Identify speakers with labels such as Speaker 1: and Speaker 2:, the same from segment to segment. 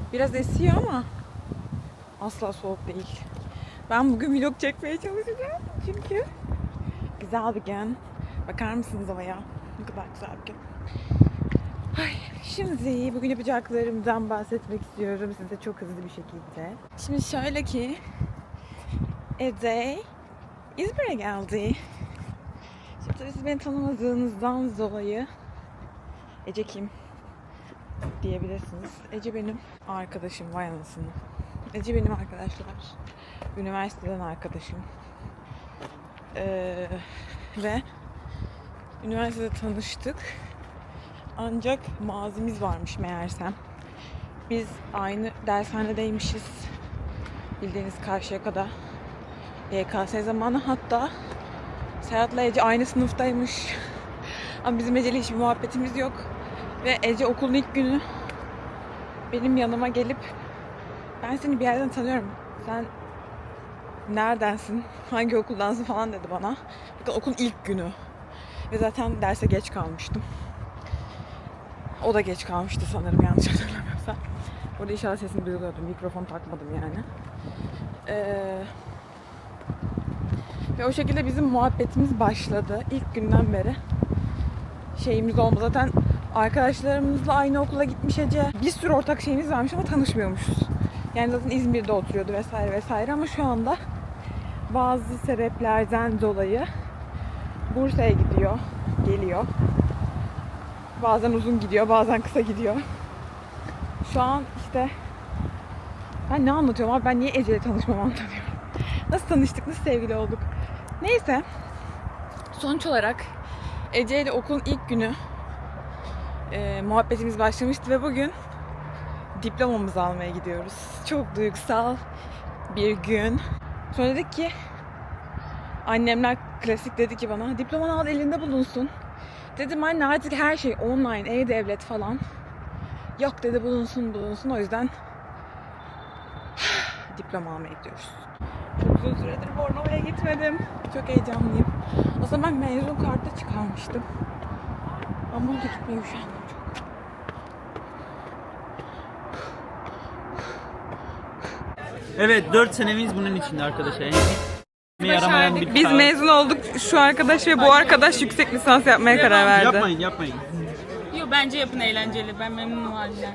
Speaker 1: Biraz esiyor ama asla soğuk değil. Ben bugün vlog çekmeye çalışacağım çünkü güzel bir gün. Bakar mısınız havaya? Ne kadar güzel bir gün. Ay, şimdi bugün yapacaklarımdan bahsetmek istiyorum size çok hızlı bir şekilde. Şimdi şöyle ki Ece İzmir'e geldi. Şimdi tabii siz beni tanımadığınızdan dolayı Ece kim diyebilirsiniz. Ece benim arkadaşım, vay anasını. Ece benim arkadaşlar. Üniversiteden arkadaşım. Ve üniversitede tanıştık. Ancak mazimiz varmış meğersem. Biz aynı dershanedeymişiz. Bildiğiniz Karşıyaka'da. YKS zamanı hatta Serhat'la Ece aynı sınıftaymış. Ama bizim Ece'yle hiçbir muhabbetimiz yok. Ve Ece okulun ilk günü benim yanıma gelip ben seni bir yerden tanıyorum. Sen neredensin? Hangi okuldansın falan dedi bana. Bakın okulun ilk günü. Ve zaten derse geç kalmıştım. O da geç kalmıştı sanırım yanlış hatırlamıyorsam. Orada inşallah sesini duyuluyordu. Mikrofon takmadım yani. Ve o şekilde bizim muhabbetimiz başladı. İlk günden beri şeyimiz olmadı. Zaten arkadaşlarımızla aynı okula gitmiş Ece. Bir sürü ortak şeyimiz varmış ama tanışmıyormuşuz. Yani zaten İzmir'de oturuyordu vesaire vesaire ama şu anda bazı sebeplerden dolayı Bursa'ya gidiyor, geliyor. Bazen uzun gidiyor, bazen kısa gidiyor. Şu an işte ben ne anlatıyorum abi? Ben niye Ece'yle tanışmamı anlatıyorum. Nasıl tanıştık, nasıl sevgili olduk? Neyse. Sonuç olarak Ece ile okulun ilk günü muhabbetimiz başlamıştı ve bugün diplomamızı almaya gidiyoruz. Çok duygusal bir gün. Sonra dedik ki annemler klasik dedi ki bana diplomanı al elinde bulunsun. Dedim anne artık her şey online, e-devlet falan. Yok dedi bulunsun o yüzden diploma almaya gidiyoruz. Çok uzun süredir Bornova'ya gitmedim. Çok heyecanlıyım. Aslında ben mezun kartı çıkarmıştım. Ama orada gitmeye üşendim çok.
Speaker 2: Evet 4 senemiz bunun içinde arkadaşlar. Yaramayan bir
Speaker 1: Biz
Speaker 2: kağıt.
Speaker 1: mezun olduk. Şu arkadaş ve bu arkadaş yüksek lisans yapmaya karar verdi.
Speaker 2: Yapmayın.
Speaker 3: Yo bence yapın eğlenceli. Ben memnunum halinden.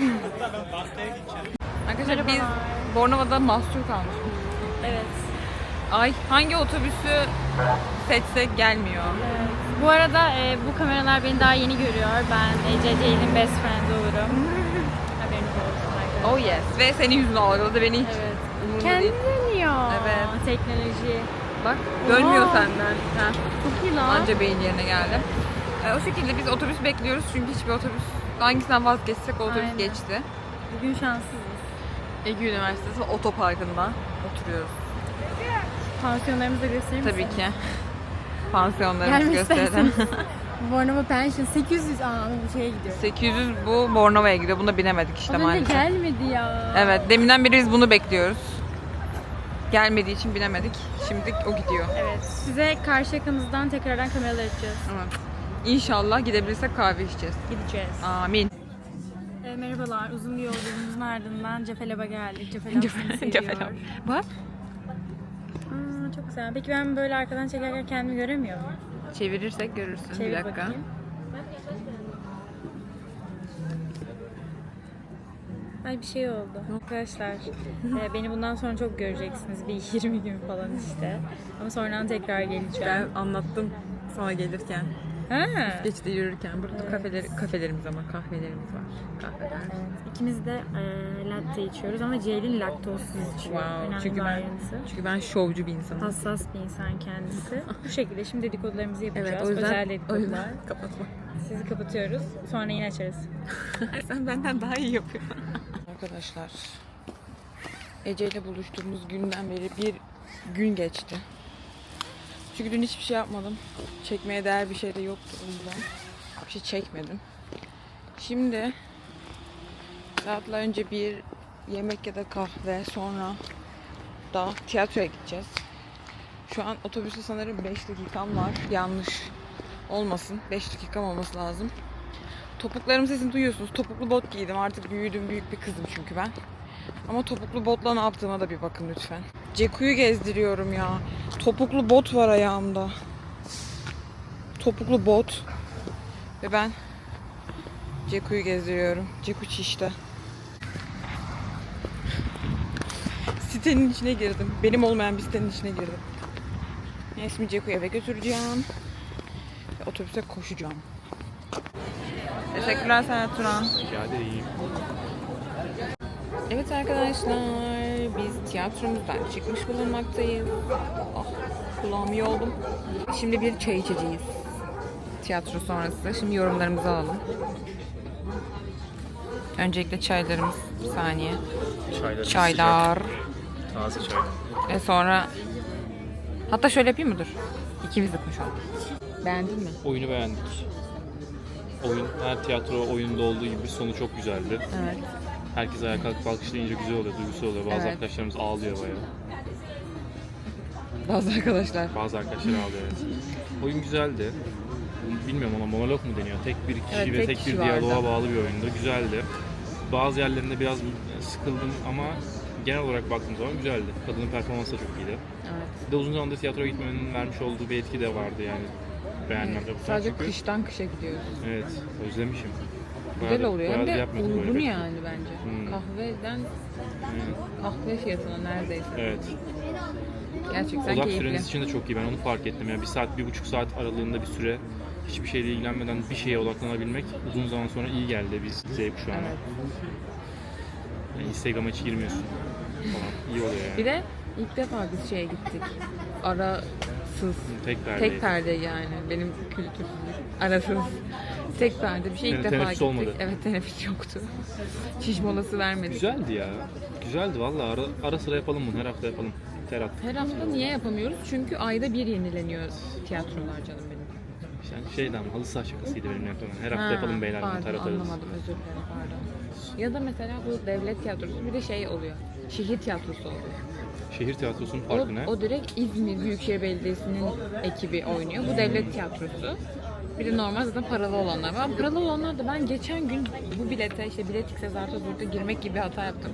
Speaker 1: Arkadaşlar biz Bornova'da mahsur kalmışız.
Speaker 3: Evet.
Speaker 1: Ay hangi otobüsü seçsek gelmiyor.
Speaker 3: Bu arada bu kameralar beni daha yeni görüyor. Ben Ece Ceylin best friend olurum. Haberiniz olsun arkadaşlar.
Speaker 1: Oh yes. Ve senin yüzünü algıladı beni hiç
Speaker 3: Evet.
Speaker 1: umurumda
Speaker 3: Kendi
Speaker 1: değil.
Speaker 3: dönüyor.
Speaker 1: Evet.
Speaker 3: Teknoloji.
Speaker 1: Bak dönmüyor
Speaker 3: Oha.
Speaker 1: senden. Ha.
Speaker 3: Çok iyi lan.
Speaker 1: Anca beyin yerine geldim. O şekilde biz otobüs bekliyoruz çünkü hiçbir otobüs hangisinden vazgeçsek o otobüs
Speaker 3: Aynen.
Speaker 1: geçti.
Speaker 3: Bugün şanssızız.
Speaker 1: Ege Üniversitesi otoparkında oturuyoruz.
Speaker 3: Pansiyonlarımızı da göstereyim
Speaker 1: Tabii ki. Pansiyonlarımızı
Speaker 3: Gelmek
Speaker 1: gösterelim.
Speaker 3: Bornova Pension 800 bu şeye gidiyor.
Speaker 1: 800 bu Bornova'ya gidiyor. Buna binemedik işte
Speaker 3: Az önce
Speaker 1: maalesef.
Speaker 3: gelmedi ya.
Speaker 1: Evet, deminden beri biz bunu bekliyoruz. Gelmediği için binemedik. Şimdi o gidiyor.
Speaker 3: Evet. Size karşı yakamızdan tekrardan kameralar açacağız.
Speaker 1: Evet. İnşallah gidebilirsek kahve içeceğiz.
Speaker 3: Gideceğiz.
Speaker 1: Amin.
Speaker 3: Merhabalar. Uzun bir yolculuğumuzun ardından Cefelab'a geldik. Cefelab seni seviyor.
Speaker 1: Cefelab. Bak.
Speaker 3: Çok güzel. Peki ben böyle arkadan çekerken kendimi göremiyor muyum?
Speaker 1: Çevirirsek görürsün.
Speaker 3: Çevir
Speaker 1: bir dakika.
Speaker 3: bakayım. Ay bir şey oldu. Arkadaşlar beni bundan sonra çok göreceksiniz. Bir 20 gün falan işte. Ama sonradan tekrar geleceğim.
Speaker 1: Ben anlattım sana gelirken.
Speaker 3: Ha.
Speaker 1: Geçti yürürken. Burada kafelerimiz ama kahvelerimiz var. Kahveler.
Speaker 3: İkimiz de latte içiyoruz ama Ceylin laktozsuz içiyor.
Speaker 1: Wow.
Speaker 3: Önemli
Speaker 1: Çünkü
Speaker 3: bir
Speaker 1: ben
Speaker 3: ayrıntı.
Speaker 1: şovcu bir insanım.
Speaker 3: Hassas bir insan kendisi. Bu şekilde şimdi dedikodularımızı yapacağız.
Speaker 1: Evet, o yüzden,
Speaker 3: Özel dedikodular.
Speaker 1: kapatma.
Speaker 3: Sizi kapatıyoruz. Sonra yine açarız.
Speaker 1: Sen benden daha iyi yapıyorsun. Arkadaşlar, Ece ile buluştuğumuz günden beri bir gün geçti. Çünkü dün hiçbir şey yapmadım. Çekmeye değer bir şey de yoktu o yüzden. Bir şey çekmedim. Şimdi saatler önce bir yemek ya da kahve, sonra da tiyatroya gideceğiz. Şu an otobüste sanırım 5 dakikam var. Yanlış olmasın. 5 dakikam olması lazım. Topuklarım sesini duyuyorsunuz. Topuklu bot giydim. Artık büyüdüm. Büyük bir kızım çünkü ben. Ama topuklu botla ne yaptığıma da bir bakın lütfen. Ceku'yu gezdiriyorum ya. Topuklu bot var ayağımda. Topuklu bot. Ve ben Ceku'yu gezdiriyorum. Ceku çişte. Sitenin içine girdim. Benim olmayan bir sitenin içine girdim. Şimdi Ceku'yu eve götüreceğim. Ve otobüse koşacağım. Teşekkürler Serhat Turan.
Speaker 2: Rica ederim.
Speaker 1: Evet arkadaşlar, biz tiyatromuzdan çıkmış bulunmaktayız. Ah, kulağım iyi oldum. Şimdi bir çay içeceğiz. Tiyatro sonrası. Şimdi yorumlarımızı alalım. Öncelikle çaylarımız. Bir saniye. Çaylar.
Speaker 2: Taze çay.
Speaker 1: Sonra... Hatta şöyle yapayım mı? Dur. İkimiz de konuşalım. Beğendin mi?
Speaker 4: Oyunu beğendik. Oyun, her tiyatro oyununda olduğu gibi sonu çok güzeldi.
Speaker 1: Evet.
Speaker 4: Herkes ayağa kalkıp alkışlayınca güzel oluyor, duygusal oluyor. Bazı
Speaker 1: Evet.
Speaker 4: arkadaşlarımız ağlıyor bayağı.
Speaker 1: Bazı arkadaşlar.
Speaker 4: Bazı arkadaşlar ağlıyor, evet. Oyun güzeldi. Bilmiyorum, ona monolog mu deniyor? Tek bir kişi
Speaker 1: Evet,
Speaker 4: ve
Speaker 1: tek
Speaker 4: tek
Speaker 1: kişi
Speaker 4: bir
Speaker 1: vardı.
Speaker 4: diyaloğa bağlı bir oyundu. Güzeldi. Bazı yerlerinde biraz sıkıldım ama genel olarak baktığım zaman güzeldi. Kadının performansı da çok iyiydi.
Speaker 1: Evet.
Speaker 4: Bir de uzun zamandır tiyatroya gitmenin vermiş olduğu bir etki de vardı yani. Beğenmemde bu
Speaker 1: Sadece
Speaker 4: çünkü.
Speaker 1: kıştan kışa gidiyoruz.
Speaker 4: Evet, özlemişim.
Speaker 1: Güzel
Speaker 4: Bayağı-
Speaker 1: oluyor. Hem
Speaker 4: bayağı
Speaker 1: de
Speaker 4: yapmadım böyle
Speaker 1: uygun
Speaker 4: pek.
Speaker 1: yani bence.
Speaker 4: Hmm.
Speaker 1: Kahveden
Speaker 4: Evet.
Speaker 1: kahve fiyatına neredeyse.
Speaker 4: Evet.
Speaker 1: Gerçekten
Speaker 4: Odak
Speaker 1: keyifli.
Speaker 4: süreniz için de çok iyi. Ben onu fark ettim. Yani 1 saat, 1,5 saat aralığında bir süre hiçbir şeyle ilgilenmeden bir şeye odaklanabilmek uzun zaman sonra iyi geldi biz Z kuşağına.
Speaker 1: Evet.
Speaker 4: Yani Instagram'a hiç girmiyorsun falan. İyi oluyor yani.
Speaker 1: Bir de ilk defa biz şeye gittik. Arasız.
Speaker 4: Tek perde.
Speaker 1: Tek perde yani. Benim kültürsüzlük. Arasız. Tek perde bir şey ilk
Speaker 4: Yani
Speaker 1: defa
Speaker 4: teneffüs
Speaker 1: gittik.
Speaker 4: olmadı.
Speaker 1: Evet, teneffüs yoktu. Çiş molası vermedik.
Speaker 4: Güzeldi ya. Güzeldi valla. Ara sıra yapalım bunu. Her hafta yapalım. Terat.
Speaker 1: Her hafta niye yapamıyoruz? Çünkü ayda bir yenileniyor tiyatrolar canım benim.
Speaker 4: Yani şeyden halı saha şakasıydı benim yaptığım. Her hafta yapalım beyler bunu.
Speaker 1: Pardon,
Speaker 4: Terat ararız.
Speaker 1: anlamadım, özür dilerim, pardon. Ya da mesela bu devlet tiyatrosu bir de şey oluyor. Şehir tiyatrosu oluyor.
Speaker 4: Şehir tiyatrosunun
Speaker 1: O,
Speaker 4: farkı ne?
Speaker 1: o direkt İzmir Büyükşehir Belediyesi'nin ekibi oynuyor. Bu devlet tiyatrosu. Bir de normal zaten paralı olanlar var. Paralı olanlar da ben geçen gün bu bilete işte bilet X'e Zart'a Zurt'a girmek gibi bir hata yaptım.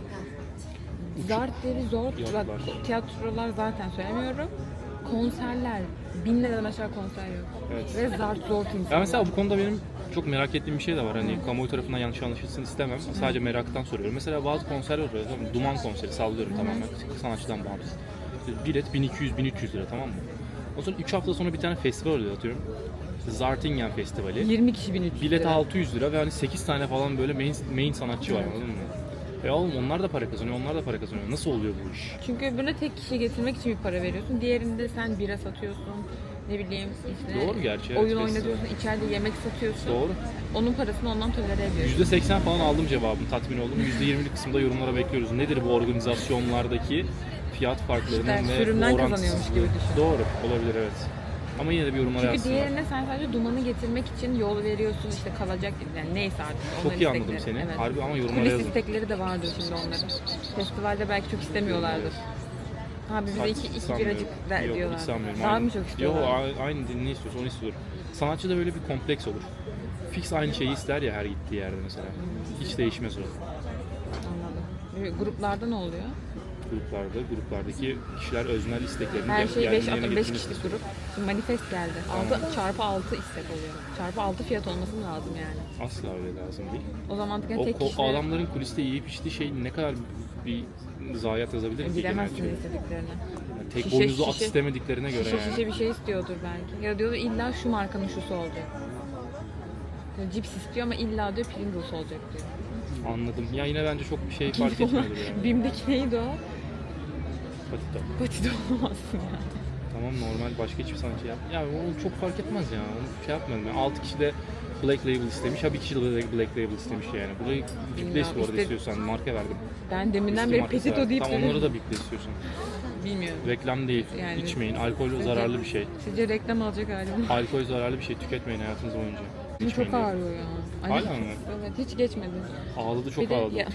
Speaker 1: Zart'leri zor,
Speaker 4: Fiyatlar.
Speaker 1: bak, tiyatrolar zaten söylemiyorum. Konserler, 1000 liradan aşağı konser yok.
Speaker 4: Evet.
Speaker 1: Ve Zart zor insanlar.
Speaker 4: Ya mesela bu konuda benim çok merak ettiğim bir şey de var. Hani kamuoyu tarafından yanlış anlaşılsın istemem. Sadece meraktan soruyorum. Mesela bazı konserler oluyor. Tamam mı? Duman konseri sallıyorum tamamen. Sanatçıdan bağımsız. İşte bilet 1200-1300 lira, tamam mı? O sonra 3 hafta sonra bir tane festival oluyor atıyorum. İşte Zartingen Festivali.
Speaker 1: 20 kişi 1300
Speaker 4: Bilet
Speaker 1: lira.
Speaker 4: 600 lira ve hani 8 tane falan böyle main sanatçı var, anladın mı? Oğlum onlar da para kazanıyor, onlar da para kazanıyor. Nasıl oluyor bu iş?
Speaker 1: Çünkü öbürüne tek kişi getirmek için bir para veriyorsun. Diğerinde sen bira satıyorsun. Ne bileyim işte
Speaker 4: Doğru gerçi, evet,
Speaker 1: oyun
Speaker 4: festival.
Speaker 1: oynatıyorsun, içeride yemek satıyorsun.
Speaker 4: Doğru.
Speaker 1: Onun parasını ondan tolere ediyorsun.
Speaker 4: %80 falan aldım cevabını, tatmin oldum. %20'lik kısımda yorumlara bekliyoruz. Nedir bu organizasyonlardaki fiyat farklarının
Speaker 1: İşte
Speaker 4: ve
Speaker 1: sürümden
Speaker 4: orantısızlığı?
Speaker 1: kazanıyormuş gibi düşün.
Speaker 4: Doğru, olabilir evet. Ama yine de bir yorumlara
Speaker 1: Çünkü
Speaker 4: yazsınlar.
Speaker 1: diğerine sen sadece dumanı getirmek için yol veriyorsun, işte kalacak yani neyse artık.
Speaker 4: Çok
Speaker 1: onların
Speaker 4: iyi anladım
Speaker 1: istekleri.
Speaker 4: seni.
Speaker 1: Evet.
Speaker 4: Harbi ama yorumlara
Speaker 1: Kulis
Speaker 4: yazın.
Speaker 1: istekleri de vardır şimdi onların. Festivalde belki çok istemiyorlardır. Abi bize iki
Speaker 4: Sanmıyorum.
Speaker 1: biracık der
Speaker 4: Yok,
Speaker 1: diyorlar.
Speaker 4: hiç sanmıyorum.
Speaker 1: Daha
Speaker 4: Aynen.
Speaker 1: mı çok istiyorlar?
Speaker 4: Yok, aynı ne istiyorsa onu istiyor. Sanatçıda böyle bir kompleks olur. Fix aynı şeyi ister ya her gittiği yerde mesela. Hiç değişmez o.
Speaker 1: Anladım. Gruplarda ne oluyor?
Speaker 4: Gruplardaki kişiler öznel isteklerini
Speaker 1: Her şey 5
Speaker 4: yerine
Speaker 1: atıyorum 5
Speaker 4: getirmek
Speaker 1: kişilik
Speaker 4: istiyor.
Speaker 1: grup. Şimdi manifest geldi. 6 çarpı 6 istek oluyor. Çarpı 6 fiyat olması lazım yani.
Speaker 4: Asla öyle lazım değil.
Speaker 1: O zaman
Speaker 4: O
Speaker 1: tek kişiler
Speaker 4: adamların kuliste yiyip içtiği şey ne kadar bir zayiat yazabilir ki
Speaker 1: bilemezsin
Speaker 4: genelce.
Speaker 1: istediklerini.
Speaker 4: Yani tek
Speaker 1: Şişe,
Speaker 4: boynuzlu at
Speaker 1: şişe.
Speaker 4: istemediklerine göre
Speaker 1: Şişe
Speaker 4: yani.
Speaker 1: şişe bir şey istiyordur belki. Ya diyordur illa şu markanın şusu olacak. Ya cips istiyor ama illa diyor Pringles olacak diyor.
Speaker 4: Anladım. Ya yine bence çok bir şey fark etmiyordur yani.
Speaker 1: Bim'deki neydi o?
Speaker 4: Patito.
Speaker 1: Patide olamazsın ya.
Speaker 4: Tamam, normal başka hiçbir sanatçı yap. Ya onu çok fark etmez ya. Onu şey yapmadım. Yani 6 kişi de Black Label istemiş. Ha bir kişi de Black Label istemiş yani. Burayı biple bu arada istiyorsan. Marka verdim.
Speaker 1: Ben deminden
Speaker 4: Whisky
Speaker 1: beri
Speaker 4: markası
Speaker 1: Petito
Speaker 4: verdim.
Speaker 1: deyip
Speaker 4: Tamam, onları
Speaker 1: duruyorum.
Speaker 4: da biple istiyorsan.
Speaker 1: Bilmiyorum.
Speaker 4: Reklam değil.
Speaker 1: Yani-
Speaker 4: İçmeyin. Alkol zararlı bir şey.
Speaker 1: Sizce reklam alacak halim var.
Speaker 4: Alkol zararlı bir şey. Tüketmeyin hayatınız boyunca.
Speaker 1: Bu
Speaker 4: İçmeyin
Speaker 1: çok
Speaker 4: diyor.
Speaker 1: ağrıyor ya. Ay,
Speaker 4: Hala mı?
Speaker 1: Evet, hiç geçmedi.
Speaker 4: Ağladı, çok
Speaker 1: Bir de
Speaker 4: ağladı.
Speaker 1: ya-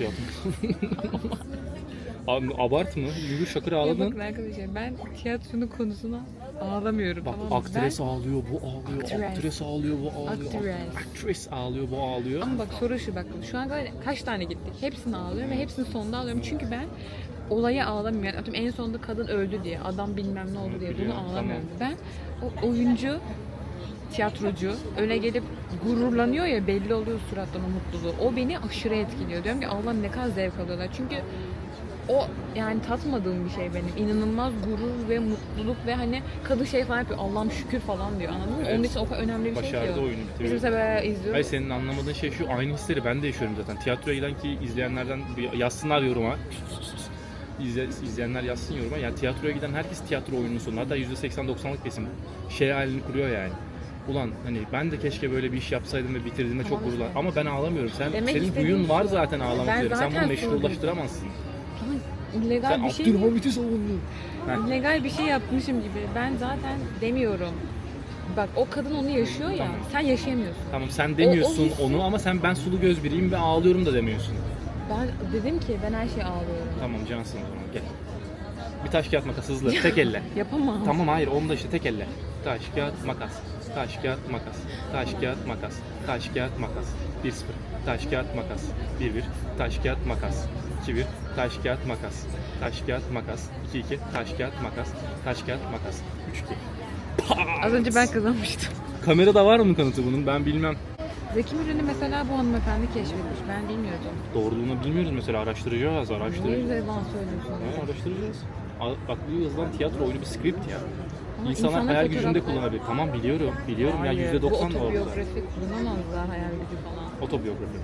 Speaker 4: Abi, abartma. Yürü şakır
Speaker 1: Ya
Speaker 4: ağladın.
Speaker 1: bakın arkadaşlar ben tiyatronun konusuna ağlamıyorum.
Speaker 4: Bak
Speaker 1: tamam mı?
Speaker 4: aktres ağlıyor, bu ağlıyor,
Speaker 1: Aktres.
Speaker 4: aktres ağlıyor, bu ağlıyor,
Speaker 1: Aktres.
Speaker 4: aktres ağlıyor, bu ağlıyor.
Speaker 1: Ama bak soru şu bak. Şu an kaç tane gittik? Hepsini ağlıyorum ve hepsini sonunda ağlıyorum. Çünkü ben olaya ağlamıyorum. Yani atıyorum en sonunda kadın öldü diye, adam bilmem ne oldu diye bunu
Speaker 4: Biliyorum,
Speaker 1: ağlamıyorum. Ben o oyuncu, tiyatrocu öne gelip gururlanıyor ya, belli oluyor surattan o mutluluğu. O beni aşırı etkiliyor. Diyorum ki Allah'ım ne kadar zevk alıyorlar. Çünkü o yani tatmadığım bir şey benim. İnanılmaz gurur ve mutluluk ve hani kadın şey falan yapıyor. Allah'ım şükür falan diyor. Anladın mı?
Speaker 4: Evet.
Speaker 1: Onun için o kadar önemli bir şey ki
Speaker 4: Başardı
Speaker 1: o.
Speaker 4: oyunu
Speaker 1: Biz
Speaker 4: bitiriyor.
Speaker 1: mesela böyle izliyoruz.
Speaker 4: Hayır, senin anlamadığın şey şu, aynı hisleri ben de yaşıyorum zaten. Tiyatroya giden ki izleyenlerden yazsınlar yoruma. İzleyenler yazsın yoruma. Yani tiyatroya giden herkes tiyatro oyununun sonunda, hatta %80-90'lık kesim şey halini kuruyor yani. Ulan hani ben de keşke böyle bir iş yapsaydım ve bitirdiğimde çok
Speaker 1: Tamam
Speaker 4: gururlan.
Speaker 1: işte.
Speaker 4: Ama ben ağlamıyorum.
Speaker 1: Demek
Speaker 4: Senin
Speaker 1: istediğim
Speaker 4: huyun var
Speaker 1: şu.
Speaker 4: zaten ağlamak
Speaker 1: Ben
Speaker 4: üzere. Sen
Speaker 1: zaten
Speaker 4: bunu meşrulaştıramazsın.
Speaker 1: Ama illegal
Speaker 4: Sen
Speaker 1: bir şey
Speaker 4: Abdülhamit'i savundun. Heh.
Speaker 1: illegal bir şey yapmışım gibi. Ben zaten demiyorum. Bak o kadın onu yaşıyor ya.
Speaker 4: Tamam.
Speaker 1: Sen yaşayamıyorsun.
Speaker 4: Tamam sen demiyorsun
Speaker 1: hissi-
Speaker 4: onu ama sen ben sulu göz biriyim ve ağlıyorum da demiyorsun.
Speaker 1: Ben dedim ki ben her şeye ağlıyorum.
Speaker 4: Tamam cansın o zaman gel. Bir taş kağıt makas hızlı tek elle.
Speaker 1: Yapamam.
Speaker 4: Tamam hayır onu da işte tek elle. Taş kağıt makas. Taş kağıt makas. Taş kağıt makas. Taş kağıt makas. 1-0. Taş kağıt makas. 1-1. Taş kağıt makas. 2-1. Taş kağıt makas. Taş kağıt makas. 2-2. Taş kağıt makas. Taş kağıt makas. 3-2.
Speaker 1: Az önce ben kazanmıştım.
Speaker 4: Kamerada var mı kanıtı bunun? Ben bilmem.
Speaker 1: Zeki Müren'i mesela bu hanımefendi keşfetmiş. Ben bilmiyordum.
Speaker 4: Doğruluğunu bilmiyoruz mesela, araştıracağız,
Speaker 1: Niye
Speaker 4: araştıracağız.
Speaker 1: yüzde bana söylüyorsun?
Speaker 4: Ha, araştıracağız. Bak bu yazılan tiyatro oyunu bir script ya.
Speaker 1: Ama
Speaker 4: İnsanlar
Speaker 1: insanlar
Speaker 4: hayal gücünde
Speaker 1: fotoğraflar-
Speaker 4: kullanabilir. Tamam biliyorum, biliyorum ya
Speaker 1: Hayır,
Speaker 4: %90
Speaker 1: bu
Speaker 4: da orada.
Speaker 1: otobiyografi kullanamazlar hayal gücü falan.
Speaker 4: Otobiyografi.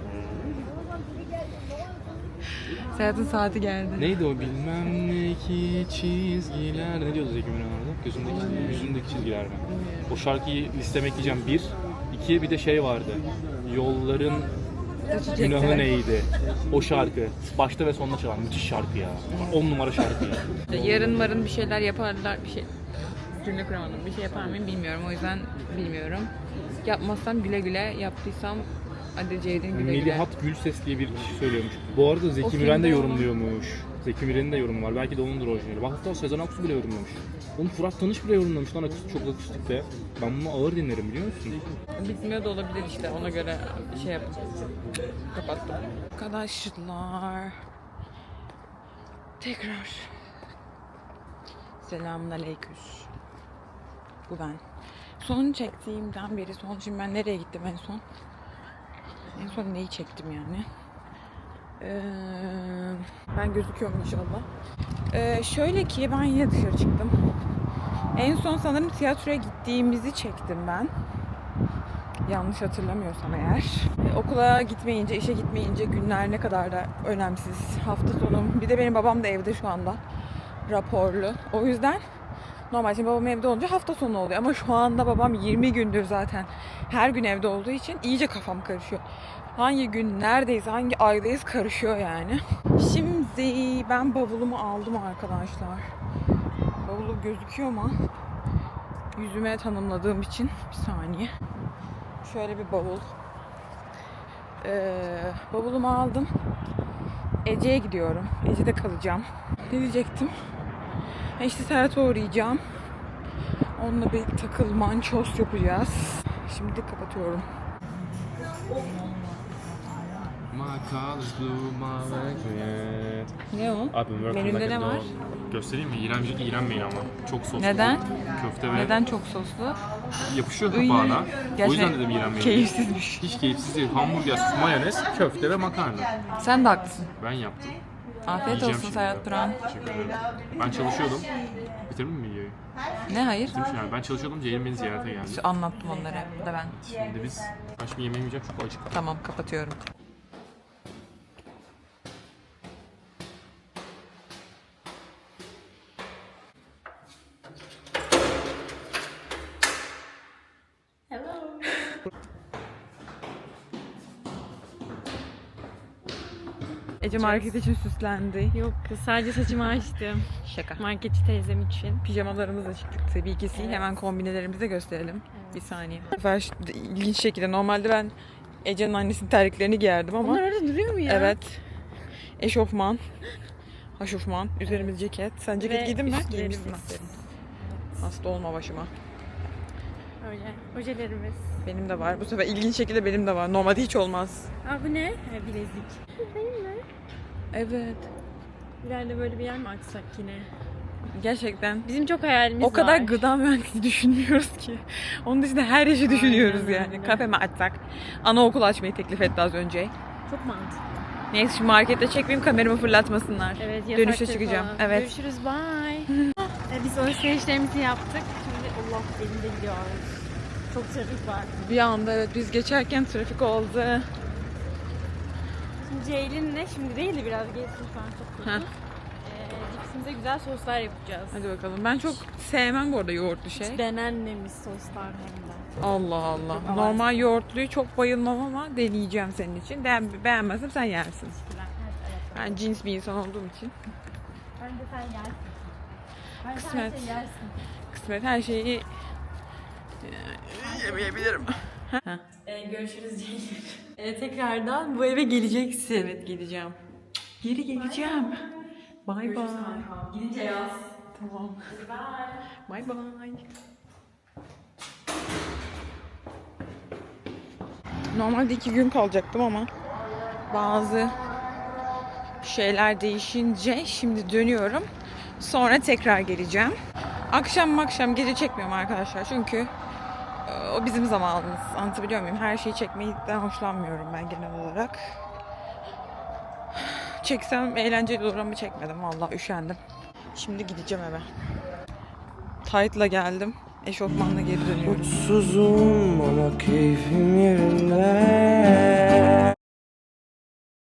Speaker 1: Serhat'ın saati geldi.
Speaker 4: Neydi o bilmem ne ki çizgiler. Ne diyordu Zeki Müren orada? Gözündeki, yüzündeki çizgiler mi? O şarkıyı listeme ekleyeceğim. 1. 2 bir de şey vardı. Yolların günahı neydi? O şarkı. Başta ve sonunda çalan müthiş şarkı ya. 10 numara şarkı ya.
Speaker 1: Yarın varın bir şeyler yaparlar, bir şey cümle kuramadım. Bir şey yapar mıyım bilmiyorum. O yüzden bilmiyorum. Yapmazsam güle güle, yaptıysam hadi Ceydin güle güle.
Speaker 4: Melihat Gülses diye bir kişi söylüyormuş. Bu arada
Speaker 1: O
Speaker 4: Zeki
Speaker 1: filmde
Speaker 4: Müren de
Speaker 1: olan-
Speaker 4: yorumluyormuş. Zeki Müren'in de yorumu var. Belki de onundur orijinali. Bak hatta Sezen Aksu bile yorumlamış. Onu Fırat Tanış bile yorumlamış lan çok akustikte. Ben bunu ağır dinlerim biliyor musun?
Speaker 1: Bitmiyor da olabilir işte, ona göre şey yapın. Kapattım. Arkadaşlar. Tekrar. Selamünaleyküm. Bu ben. Son çektiğimden beri şimdi ben nereye gittim en son? En son neyi çektim yani? Ben gözüküyorum inşallah. Şöyle ki ben yine dışarı çıktım. En son sanırım tiyatroya gittiğimizi çektim ben. Yanlış hatırlamıyorsam eğer. Okula gitmeyince, işe gitmeyince günler ne kadar da önemsiz. Hafta sonu. Bir de benim babam da evde şu anda. Raporlu. O yüzden normal şimdi babam evde olunca hafta sonu oluyor. Ama şu anda babam 20 gündür zaten her gün evde olduğu için iyice kafam karışıyor. Hangi gün neredeyiz, hangi aydayız karışıyor yani. Şimdi ben bavulumu aldım arkadaşlar. Bavulum gözüküyor mu? Yüzüme tanımladığım için bir saniye. Şöyle bir bavul. Bavulumu aldım. Ece'ye gidiyorum. Ece'de kalacağım. Ne diyecektim? İşte Serhat'a uğrayacağım. Onunla bir takıl mançoz yapacağız. Şimdi kapatıyorum. Ne o? Menüde ne var?
Speaker 4: Göstereyim mi? İğrenmeyin ama. Çok soslu.
Speaker 1: Neden?
Speaker 4: Köfte ve
Speaker 1: Neden çok soslu?
Speaker 4: yapışıyor
Speaker 1: Iy.
Speaker 4: kapağına. O
Speaker 1: Gerçekten
Speaker 4: yüzden dedim iğrenmeyin.
Speaker 1: Keyifsizmiş.
Speaker 4: Hiç keyifsiz değil. Hamburger, sos, mayonez, köfte ve makarna.
Speaker 1: Sen de haklısın.
Speaker 4: Ben yaptım.
Speaker 1: Afiyet
Speaker 4: Yiyeceğim
Speaker 1: olsun
Speaker 4: şimdi.
Speaker 1: Serhat Duran.
Speaker 4: Teşekkür ederim. Ben çalışıyordum. Bitirdin mi videoyu?
Speaker 1: Ne hayır?
Speaker 4: Bitirmiş yani. Ben çalışıyordum. Ceylin beni ziyarete geldi.
Speaker 1: Anlattım onları da ben.
Speaker 4: Şimdi biz başka bir yemeği yiyeceğim çok acık.
Speaker 1: Tamam kapatıyorum. Ece market için süslendi.
Speaker 3: Yok kız, sadece saçımı açtım.
Speaker 1: Şaka.
Speaker 3: Marketçi teyzem için.
Speaker 1: Pijamalarımızla çıktık tabii ki.
Speaker 3: Evet.
Speaker 1: Hemen kombinelerimizi de gösterelim. Bir saniye. Bu sefer ilginç şekilde normalde ben Ece'nin annesinin terliklerini giyerdim ama
Speaker 3: Onlar orada duruyor mu ya?
Speaker 1: evet. Eşofman, haşofman, üzerimiz ceket. Sen ceket
Speaker 3: Ve
Speaker 1: giydin mi?
Speaker 3: üstlerimiz.
Speaker 1: Giymişsin aferin. Hasta olma başıma.
Speaker 3: Öyle. Ojelerimiz.
Speaker 1: Benim de var. Bu sefer ilginç şekilde benim de var. Normalde hiç olmaz.
Speaker 3: Aa bu ne? Ha, bilezik. Değil mi?
Speaker 1: Evet.
Speaker 3: İleride böyle bir yer mi açsak yine?
Speaker 1: Gerçekten.
Speaker 3: Bizim çok hayalimiz
Speaker 1: O kadar
Speaker 3: var.
Speaker 1: gıda mühendisi düşünmüyoruz ki. Onun dışında her işi düşünüyoruz
Speaker 3: Aynen
Speaker 1: yani.
Speaker 3: öyle.
Speaker 1: Kafe mi açsak? Anaokul açmayı teklif etti az önce.
Speaker 3: Çok mantıklı.
Speaker 1: Neyse şimdi markette çekmeyeyim, kameramı fırlatmasınlar.
Speaker 3: Evet,
Speaker 1: Dönüşte
Speaker 3: yasaktır
Speaker 1: çıkacağım.
Speaker 3: falan.
Speaker 1: Evet.
Speaker 3: Görüşürüz, bye. Biz alışverişlerimizi yaptık. Şimdi Allah elinde gidiyoruz. Çok trafik var.
Speaker 1: Bir anda evet biz geçerken trafik oldu.
Speaker 3: Şimdi Ceylin'le şimdi değil de biraz geçsin şu an çok
Speaker 1: Heh.
Speaker 3: kötü. Cipsimize güzel soslar yapacağız.
Speaker 1: Hadi bakalım. Ben çok sevmem bu arada yoğurtlu şey.
Speaker 3: Denenmemiş soslar hem de.
Speaker 1: Allah Allah. Normal yoğurtluyu çok bayılmam ama deneyeceğim senin için. Beğenmezsem sen yersin.
Speaker 3: Teşekkürler. Evet.
Speaker 1: Ben cins bir insan olduğum için.
Speaker 3: Bence sen yersin. Bence
Speaker 1: Kısmet.
Speaker 3: her şeyi yersin.
Speaker 1: Kısmet her şeyi yemeyebilirim.
Speaker 3: Görüşürüz Ceylin. Tekrardan bu eve geleceksin.
Speaker 1: Evet geleceğim. Geri geleceğim. Bye bye.
Speaker 3: Gidince yaz.
Speaker 1: Tamam. Bye bye. Normalde 2 gün kalacaktım ama bazı şeyler değişince şimdi dönüyorum. Sonra tekrar geleceğim. Akşam gece çekmiyorum arkadaşlar çünkü o bizim zamanımız. Anlatabiliyor muyum? Her şeyi çekmekten hoşlanmıyorum ben genel olarak. Çeksem eğlenceli olur ama çekmedim. Vallahi üşendim. Şimdi gideceğim eve. Tight'la geldim. Eşofmanla geri dönüyorum.
Speaker 5: Mutsuzum ama keyfim yerinde.